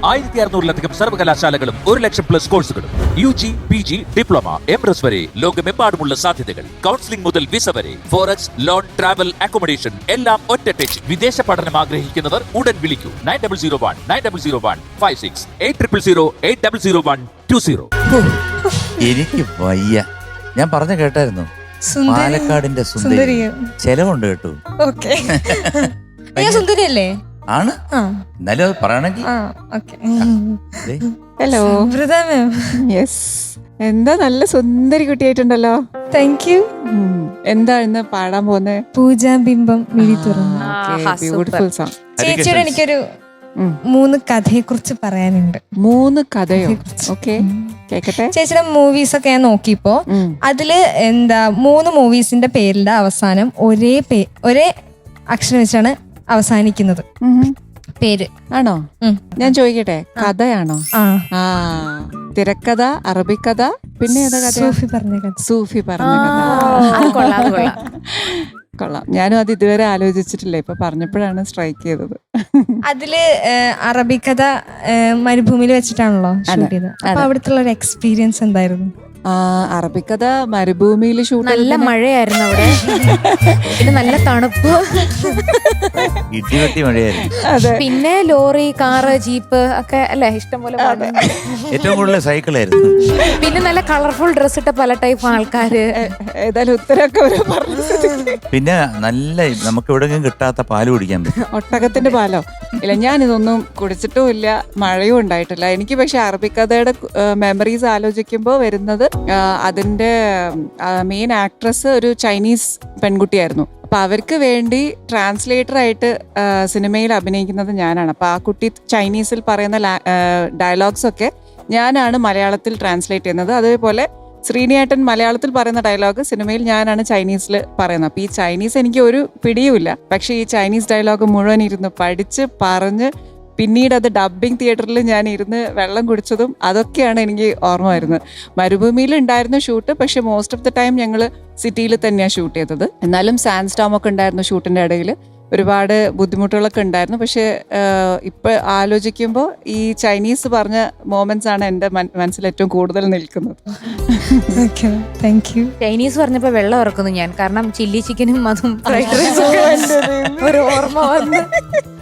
1600-ലധികം സർവകലാശാലകളും 1,00,000+ കോഴ്സുകളും UG, PG, diploma, MS വരെ ലോകമെമ്പാടുമുള്ള സാധ്യതകൾ. കൗൺസിലിംഗ് മുതൽ വിസ വരെ, ഫോറക്സ്, ലോൺ, ട്രാവൽ, അക്കോമഡേഷൻ എല്ലാം ഒറ്റ ടച്ച്. വിദേശ പഠനം ആഗ്രഹിക്കുന്നവർ ഉടൻ വിളിക്കൂ 9001 86 800120. എനിക്ക് വയ്യ. ഞാൻ പറഞ്ഞു കേട്ടായിരുന്നു, പാലക്കാടിന്റെ സുന്ദരി. ചെലവുണ്ട് കേട്ടു. സുന്ദരിയല്ലേ? ആണ്. എന്നാലും അത് പറയണെങ്കിൽ ഹലോ യെസ്, എന്താ നല്ല സുന്ദരി കുട്ടിയായിട്ടുണ്ടല്ലോ. Thank you. എന്താ ഇന്ന് പാടാൻ പോകുന്നത്? പൂജാബിംബം മിഴി തുറന്നു. Beautiful song. ചേച്ചിയോട് എനിക്കൊരു 3 കഥയെ കുറിച്ച് പറയാനുണ്ട്. 3 കഥയോ? ഓക്കെ, കേക്കട്ടെ. ചേച്ചിയുടെ മൂവീസ് ഒക്കെ ഞാൻ നോക്കിയപ്പോ അതില് 3 മൂവീസിന്റെ പേരിന്റെ അവസാനം ഒരേ അക്ഷരം വെച്ചാണ് അവസാനിക്കുന്നത് പേര്. ആണോ? ഞാൻ ചോദിക്കട്ടെ, കഥയാണോ? ആ, തിരക്കഥ, അറബിക്കഥ, പിന്നെ ഏതാ കഥ? സൂഫി പറഞ്ഞ കഥ. കൊള്ളാം. ഞാനും അത് ഇതുവരെ ആലോചിച്ചിട്ടില്ല, ഇപ്പൊ പറഞ്ഞപ്പോഴാണ് സ്ട്രൈക്ക് ചെയ്തത്. അതില് അറബിക്കഥ മരുഭൂമിയിൽ വെച്ചിട്ടാണല്ലോ ഷൂട്ട് ചെയ്തത്. അപ്പൊ അവിടുത്തെ ഒരു എക്സ്പീരിയൻസ് എന്തായിരുന്നു? അറബിക്കഥ മരുഭൂമിയിൽ ഷൂട്ട്. നല്ല മഴയായിരുന്നു അവിടെ, പിന്നെ നല്ല തണുപ്പ്, ഇടിവെട്ടി മഴയായിരുന്നു. പിന്നെ ലോറി, കാറ്, ജീപ്പ് ഒക്കെ അല്ലെ ഇഷ്ടംപോലെ. ഏറ്റവും കൂടുതൽ സൈക്കിളായിരുന്നു. പിന്നെ നല്ല കളർഫുൾ ഡ്രസ് ഇട്ട പല ടൈപ്പ് ആൾക്കാര്. ഏതായാലും ഉത്തരമൊക്കെ പിന്നെ നല്ല നമുക്ക് എവിടെയെങ്കിലും കിട്ടാത്ത പാല് കുടിക്കാൻ പറ്റും. ഒട്ടകത്തിന്റെ പാലോ? ഇല്ല, ഞാനിതൊന്നും കുടിച്ചിട്ടും ഇല്ല, മഴയും ഉണ്ടായിട്ടില്ല എനിക്ക്. പക്ഷെ അറബിക്കഥയുടെ മെമ്മറീസ് ആലോചിക്കുമ്പോൾ വരുന്നത്, അതിന്റെ മെയിൻ ആക്ട്രസ് ഒരു ചൈനീസ് പെൺകുട്ടിയായിരുന്നു. അപ്പൊ അവർക്ക് വേണ്ടി ട്രാൻസ്ലേറ്റർ ആയിട്ട് സിനിമയിൽ അഭിനയിക്കുന്നത് ഞാനാണ്. അപ്പൊ ആ കുട്ടി ചൈനീസിൽ പറയുന്ന ഡയലോഗ്സ് ഒക്കെ ഞാനാണ് മലയാളത്തിൽ ട്രാൻസ്ലേറ്റ് ചെയ്യുന്നത്. അതേപോലെ ശ്രീനിയേട്ടൻ മലയാളത്തിൽ പറയുന്ന ഡയലോഗ് സിനിമയിൽ ഞാനാണ് ചൈനീസിൽ പറയുന്നത്. അപ്പൊ ഈ ചൈനീസ് എനിക്ക് ഒരു പിടിയുമില്ല. പക്ഷെ ഈ ചൈനീസ് ഡയലോഗ് മുഴുവൻ ഇരുന്ന് പഠിച്ച് പറഞ്ഞ് പിന്നീട് അത് ഡബ്ബിംഗ് തിയേറ്ററിൽ ഞാൻ ഇരുന്ന് വെള്ളം കുടിച്ചതും അതൊക്കെയാണ് എനിക്ക് ഓർമ്മ വരുന്നത്. മരുഭൂമിയിൽ ഉണ്ടായിരുന്നു ഷൂട്ട്, പക്ഷെ മോസ്റ്റ് ഓഫ് ദ ടൈം ഞങ്ങൾ സിറ്റിയിൽ തന്നെയാണ് ഷൂട്ട് ചെയ്തത്. എന്നാലും സാൻഡ് സ്റ്റോം ഒക്കെ ഉണ്ടായിരുന്നു ഷൂട്ടിന്റെ ഇടയിൽ. ഒരുപാട് ബുദ്ധിമുട്ടുകളൊക്കെ ഉണ്ടായിരുന്നു. പക്ഷെ ഇപ്പൊ ആലോചിക്കുമ്പോൾ ഈ ചൈനീസ് പറഞ്ഞ മൊമെന്റ്സ് ആണ് എൻ്റെ മനസ്സിൽ ഏറ്റവും കൂടുതൽ നിൽക്കുന്നത്. ചൈനീസ് പറഞ്ഞപ്പോ വെള്ളം ഇറക്കുന്നു ഞാൻ, കാരണം ചില്ലി ചിക്കനും അതും ഫ്രൈഡ് റൈസും ഒരു ഓർമ്മ വന്ന്.